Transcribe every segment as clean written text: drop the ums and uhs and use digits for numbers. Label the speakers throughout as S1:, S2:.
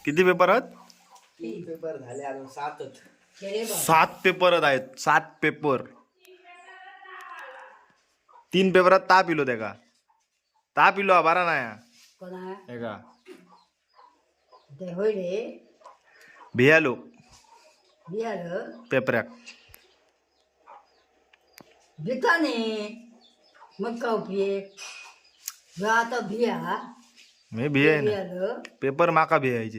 S1: किती पेपर आहेत?
S2: 3 पेपर झाले अजून 7च.
S1: 7 पेपर आहेत. 7 पेपर. 3 पेपरात ताप इलो त्या का ताप इलो बारा नाही
S3: कोणा
S1: हे का
S3: ते होय रे
S1: भियालो
S3: बियालं
S1: पेपराक
S3: भिताने मग का उपयोग आता भिया
S1: मी भियाय ना
S3: बियालं
S1: पेपर माका भियायचे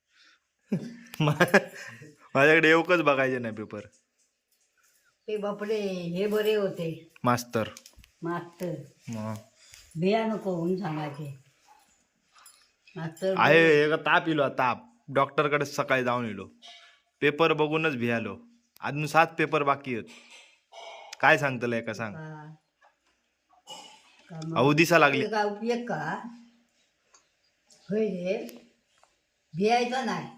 S1: माझ्याकडे येऊकच बघायचे नाही पेपर.
S3: ते बापडे हे बरे होते
S1: मास्तर
S3: मास्तर
S1: मग
S3: भिया नको म्हणून सांगायचे मास्तर
S1: आहे हे का ताप इलो ताप डॉक्टरकडे सकाळी जाऊन इलो पेपर बघूनच भियालो. अजून 7 पेपर बाकी आहेत. काय सांगतलंय का सांग
S3: का मग
S1: अहो दिसा लागली
S3: ते का उपयोग का होय रे भियायचा नाही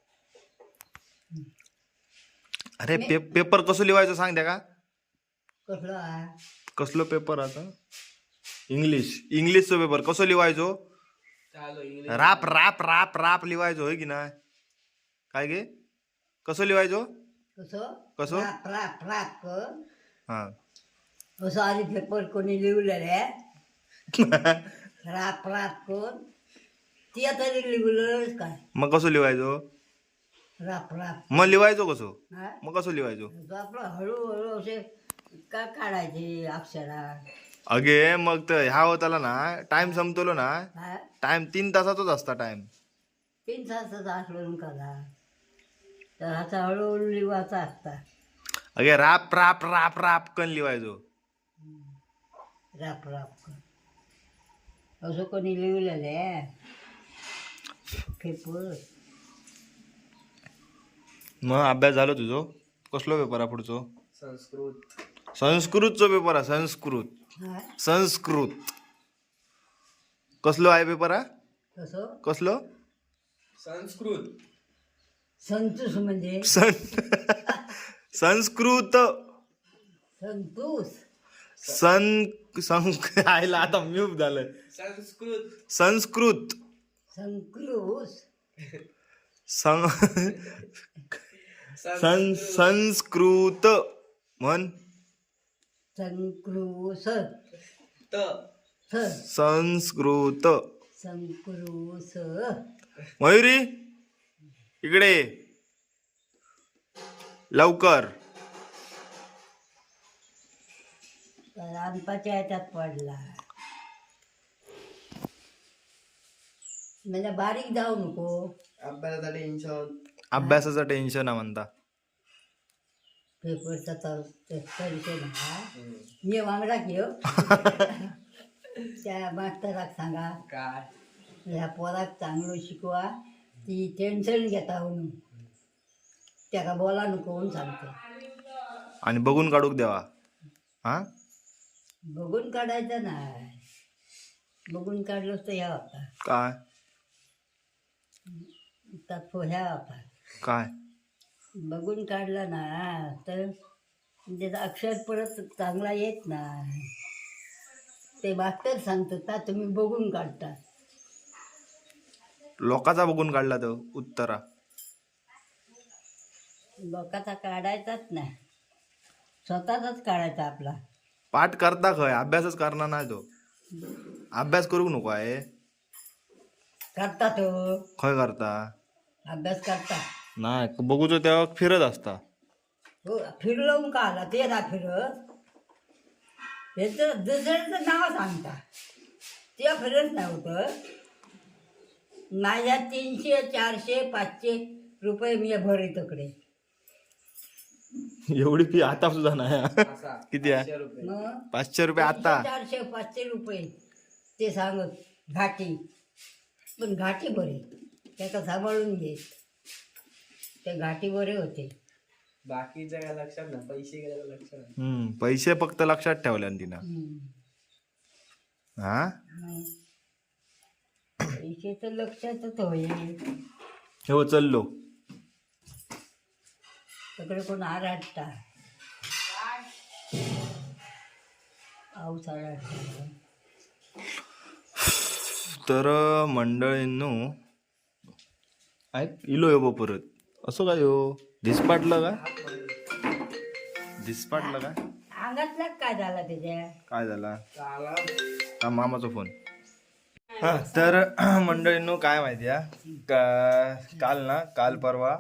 S1: अरे पेपर कसं लिवायचं सांग द्या का
S3: कसलं आहे
S1: कसलो पेपर आता इंग्लिशचो पेपर कसं लिवायचो
S2: चालू इंग्लिश
S1: राप राप राप राप लिवायचो होय की नाही काय गे कसं लिवायचो
S3: कसं
S1: कसं?
S3: राप राप राप कर
S1: हा
S3: असं आधी पेपर कोणी लिहिलेलं राप राप कर ती तरी लिहिलेलंच काय
S1: मग कसं लिवायचो
S3: राप राप
S1: मग लिवायचो कसं
S3: हा
S1: मग कसं लिवायचो
S3: तो आपलं हळूहळू असे का काढायचे अक्षरा
S1: अगे मग तर ह्या होताला ना टाइम संपतलो ना
S3: हा
S1: टाइम 3 तासातच असता टाइम
S3: 3 तासाचा असलो कला तर आता हळूहळू लिवायचा असता
S1: अगे राप राप राप राप कन लिवायचो.
S3: राप राप कर असं कोणी लिहिलेलं आहे पेपर
S1: मग अभ्यास झालो तुझो कसलो पेपर आहे पुढचो
S2: संस्कृत
S1: संस्कृतचो पेपर आहे संस्कृत
S3: हा
S1: संस्कृत कसलो आहे पेपर आहे
S3: कसं
S1: कसलो
S2: संस्कृत
S3: संतोष म्हणजे
S1: संस्कृत
S3: संतोष
S1: आयला आता म्यूट झालंय
S2: संस्कृत
S1: संस्कृत
S3: संक्रोश
S1: संस्कृत म्हण
S3: संक्रोश
S2: त
S1: संस्कृत
S3: संक्रोश
S1: मयुरी इकडे ये. लवकर
S3: रामपाच्या याच्यात पडला म्हणजे बारीक जाऊ नको
S2: अभ्यासाचा टेन्शन
S1: अभ्यासाचं टेन्शन आहे म्हणता
S3: पेपरचा विषय ना ये वांगडा घेऊ त्या मास्तराक सांगा
S2: काय
S3: ह्या पोराक चांगलं शिकवा ती टेन्शन घेता म्हणून त्याला बोला नको म्हणून सांगतो
S1: आणि बघून काढूक द्यावा हा
S3: बघून काढायचं नाही बघून काढलंच तर ह्या होता
S1: काय
S3: तर ह्या होता
S1: काय
S3: बघून काढला ना तर त्याचं अक्षर परत चांगला येत नाही ते मास्तर सांगतात का तुम्ही बघून काढता
S1: लोकाचा बघून काढला तो उत्तरा
S3: लोकांचा काढायचाच नाही स्वतःचाच काढायचा आपला
S1: पाठ करता खय अभ्यासच करणार नाही तो अभ्यास करूक नको आहे
S3: करता तो
S1: खय करता
S3: अभ्यास करता
S1: नाही बघूचो तेव्हा फिरत असता
S3: हो फिरलो का आला ते ना फिरत त्याचं दुसऱ्याचं नाव सांगता ते फिरत नव्हतं माझ्या 300 400 500 रुपये मी भरितकडे
S1: एवढी फी आता सुद्धा नाही हा.
S2: असा
S1: किती आहे
S2: 500 रुपये
S3: मग
S1: 500 रुपये आता
S3: 400 500 रुपये ते सांगत घाटी पण घाटी बरे त्याचा सांभाळून घे ते घाटी बरे होते
S2: बाकीचं काय लक्षात ना पैसे गेल्या लक्षात नाही.
S1: पैसे फक्त लक्षात ठेवले तिनं
S3: हम्म.
S1: हा
S3: मग पैसे तर लक्षातच होईल
S1: हो चललो
S3: सगळे कोण आराटता पाऊस आराटता
S1: तर मंडळींनो इलो यो परत असं काय हो धिसपाटलं का धिसपाटलं का
S3: अंगातला काय झाला त्याच्या
S1: काय झाला
S2: चाला
S1: हा मामाचा फोन हा तर मंडळींनो काय माहिती आहे काल परवा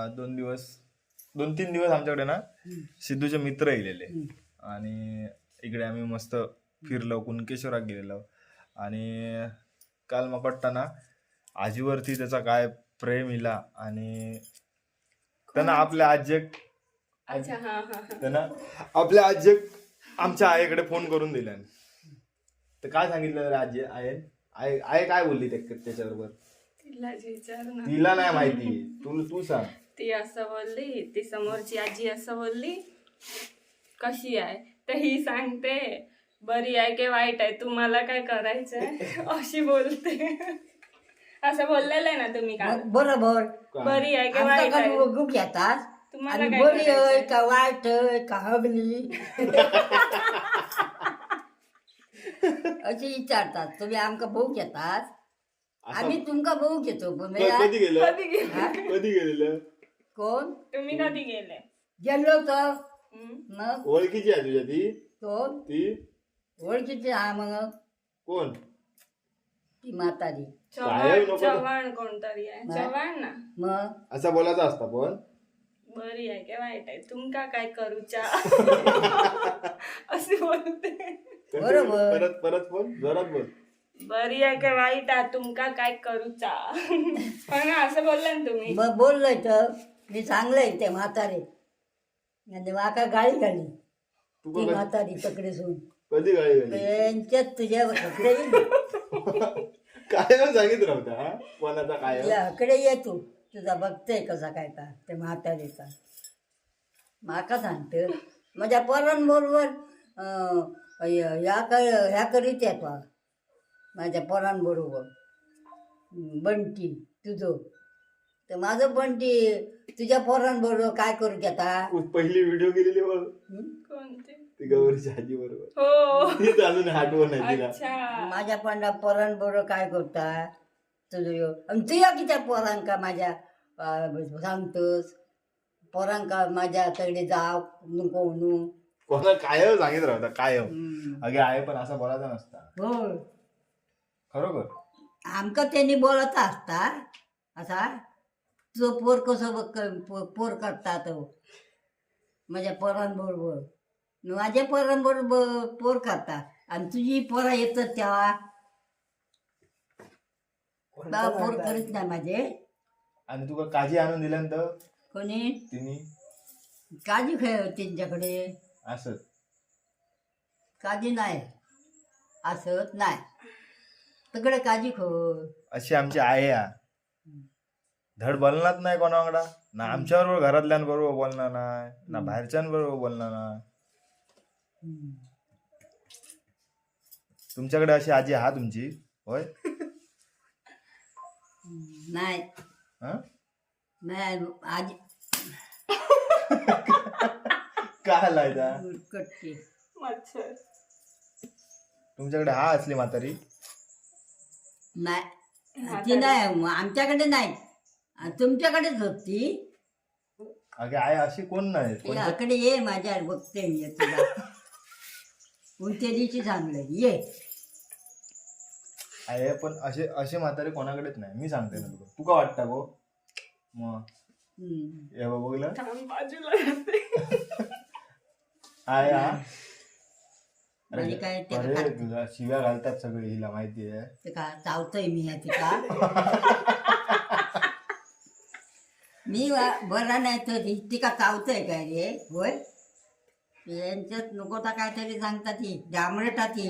S1: 2-3 दिवस आमच्याकडे ना सिद्धूचे मित्र येलेले आणि इकडे आम्ही मस्त फिरलो कुणकेश्वरात गेलेलो आणि काल मग वाटतं ना आजीवरती त्याचा काय प्रेम इला आणि त्यांना आपल्या आजेक त्यांना आपल्या आजेक आमच्या आईकडे फोन करून दिला तर काय सांगितलं रे आजी आई काय बोलली त्याच्याबरोबर
S4: तिला विचार ना
S1: तिला नाही माहिती तू सांग
S4: ती असं बोलली ती समोरची आजी असं बोलली कशी आहे तर ही सांगते बरी आहे की वाईट आहे तुम्हाला काय करायचंय अशी बोलते असं बोललेलं आहे ना तुम्ही का
S3: बरोबर
S4: बरी आहे की वाईट आहे
S3: बघू घेतात
S4: तुम्हाला
S3: आणि
S4: काय
S3: बरी आहे
S4: करायचंय?
S3: का वाईट आहे का हगली असे विचारतात तुम्ही आमका भाऊ घेतात आम्ही तुमका भाऊ घेतो पण
S1: कधी गेलं
S4: कधी गेले
S3: हा?
S1: कधी गेलेलं
S3: कोण
S4: तुम्ही कधी गेले
S3: गेलो तर
S4: हम्म?
S3: मग
S1: ओळखीची आहे तुझ्या ती
S3: कोण
S1: ती
S3: ओळखीची हा मग
S1: कोण
S3: ती म्हातारी
S1: काय नको.
S4: चव्हाण कोणतरी आहे
S3: नाही.
S4: चव्हाण ना
S3: मग
S1: असा बोलायचा असता पण
S4: बरी आहे की वाईट आहे तुमका काय करूचा अशी बोलते
S3: बरोबर.
S1: परत परत बोल जोरात बोल
S4: बरी आहे की वाईट आहे तुमका काय करूचा पण असं बोलला ना तुम्ही
S3: मग बोललोय तर मी चांगलंय ते म्हातारे आणि माका गाळी घाली
S1: तू
S3: ती
S1: का-
S3: म्हातारी तकडे सोडून
S1: कधी गाडी गाडी
S3: त्यांच्यात तुझ्या हकडे
S1: काय सांगित नव्हता हा कोणाचा काय
S3: हकडे ये तू तुझा बघतोय कसा काय का ते म्हातारीचा माका सांगत माझ्या पोरांबरोबर ह्या करीत येतो माझ्या पोरांबरोबर बंटी तुझं तर माझं बंटी तुझ्या पोरांबरोबर काय करू घेता
S1: पहिली व्हिडिओ गेलेली बघ
S4: कोणते
S1: ती गौरीच्या आजी बरोबर
S4: हो
S1: तीच अजून आठवण आहे तिला
S4: अच्छा
S3: माझ्या पोरांबरोबर काय करता तुझं आणि तुझ्या कित्या पोरांका माझ्या सांगतोस पोरांका माझ्या तगडे जाव नको म्हणून
S1: कोणा कायम सांगित राहता कायम
S3: हम्म.
S1: अगे आहे पण असा बोलायचा नसता
S3: हो
S1: खरोखर
S3: आमका त्यांनी बोलत असता असा तुझं पोर कसं पोर करता तो माझ्या पोरांबरोबर माझ्या पोरांबरोबर पोर करता आणि तुझी पोरा येतात तेव्हा बा पोर करीत नाही माझे
S1: आणि तुका काजी आणून दिल्यानंतर
S3: कोणी
S1: तिने
S3: काजी खेळ त्यांच्याकडे
S1: असं
S3: काजी नाही असत नाही तिकडे काजी खो
S1: अशी आमची आई आहे धड बोलणार नाही कोणाकडा ना आमच्याबरोबर घरातल्यांबरोबर बोलणार नाही ना बाहेरच्यांबरोबर बोलणार नाही तुमच्याकडे अशी आजी हा तुमची होय
S3: नाही
S1: हा
S3: नाही आजी
S1: काय लायचा
S3: कटके
S4: मच्छर
S1: तुमच्याकडे हा असली म्हातारी
S3: नाही ती नाही आमच्याकडे नाही तुमच्याकडेच होती
S1: अगे आई अशी कोण नाही कोणत्या-
S3: याकडे ये माझ्या बघते मी तुला कोणत्या दिवशी सांगलं ये
S1: आहे पण असे असे म्हातारे कोणाकडेच नाही मी सांगते ना तुला तुका वाटतं गो मग
S3: हम्म.
S1: हे बघलं
S4: थांब बाजूला राहते.
S1: आहे हा
S3: म्हणजे काय ते
S1: अरे तुला शिव्या घालतात सगळे हिला माहिती आहे
S3: ते का चावतोय मी या तिका मी बरा नाही तर तिका चावतोय काय रे होय यांच्यात नको तर काहीतरी सांगतात ती डांबरटा ती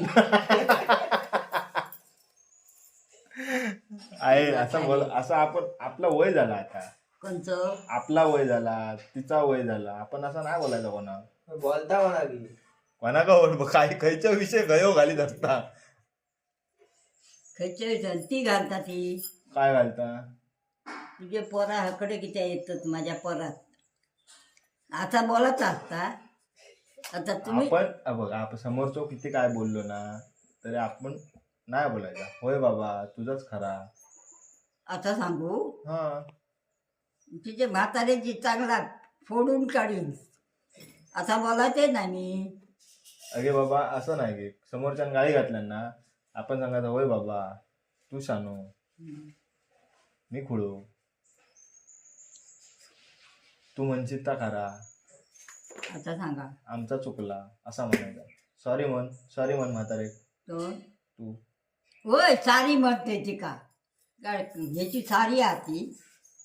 S1: आहे असं बोल असं आपण आपला वय झाला आता
S3: कोणचं
S1: आपला वय झाला तिचा वय झाला आपण असं नाही बोलायचं कोणा
S2: बोलता म्हणा की
S1: कोणा का बोल काय खायच्या विषय गयो घालीत असता
S3: खयच्या ती घालता ती
S1: काय घालता
S3: तुझे पोरा हकडे किती येतात माझ्या पोरात आता बोलत असता आता तुम्ही
S1: आपण बघ आपण समोरचो किती काय बोललो ना तरी आपण नाही बोलायचा होय बाबा तुझाच खरा
S3: आता सांगू
S1: हा
S3: तिचे म्हाताऱ्याची चांगला फोडून काढीन आता बोलायचे नाही मी.
S1: अगे बाबा असं नाही की समोरच्यानं गाळी घातल्या ना आपण सांगायचं होय बाबा तू शानो मी खुळो तू म्हणशील ता खरा
S3: आता सांगा
S1: आमचा चुकला असा म्हणायचा. सॉरी म्हण म्हातारे
S3: तो
S1: तू.
S3: होय सारी म्हणते ती का ह्याची सारी आती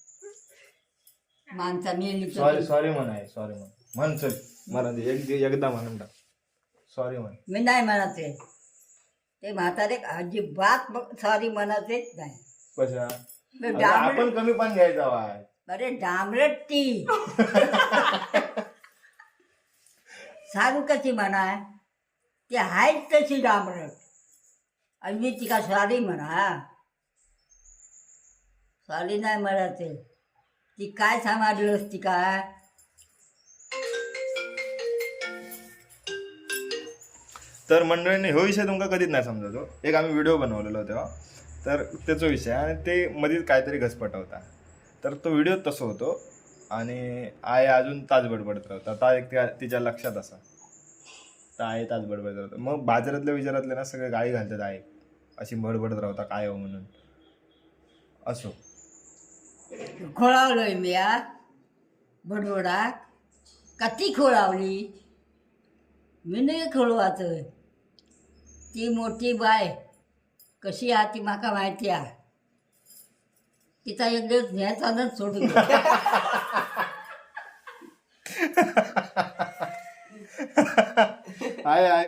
S3: माणसा मेली
S1: सॉरी म्हण चल मला दे. एकदा म्हणून टाक सॉरी म्हण.
S3: मी नाही म्हणते ते म्हातारे अजिबात सॉरी म्हणतेच नाही.
S1: कशा
S3: बे
S1: अगं,
S3: डांबरट
S1: आपण कमी पण घ्यायचा वाय.
S3: अरे डांबरट ती सारू कशी म्हणाय ती आहेच तशी डांबरट आणि मी तिका सॉरी म्हणा सॉरी नाही म्हणायचे ती काय सांभाळलंस ती काय.
S1: तर मंडळीने ह्यो विषय तुमका कधीच नाही समजतो. एक आम्ही व्हिडिओ बनवलेलो तेव्हा तर त्याचा विषय आणि ते मध्येच काहीतरी घसपट होता. तर तो व्हिडिओ तसं होतो आणि आय अजून तास बडबडत राहता. आता एक तिच्या लक्षात असा तर आहे तास बडबडत राहतं. मग बाजारातल्या विचारातले ना सगळे गाळी घालतात आहे अशी बडबडत राहता काय हो म्हणून. असो
S3: खोळावलोय मी या बडबडा का ती खोळावली मी नाही खोळवाचं. ती मोठी बाय कशी आहे ती माका माहिती आहे. तिचा एक दिवस न्यायचानच सोडून
S1: आहे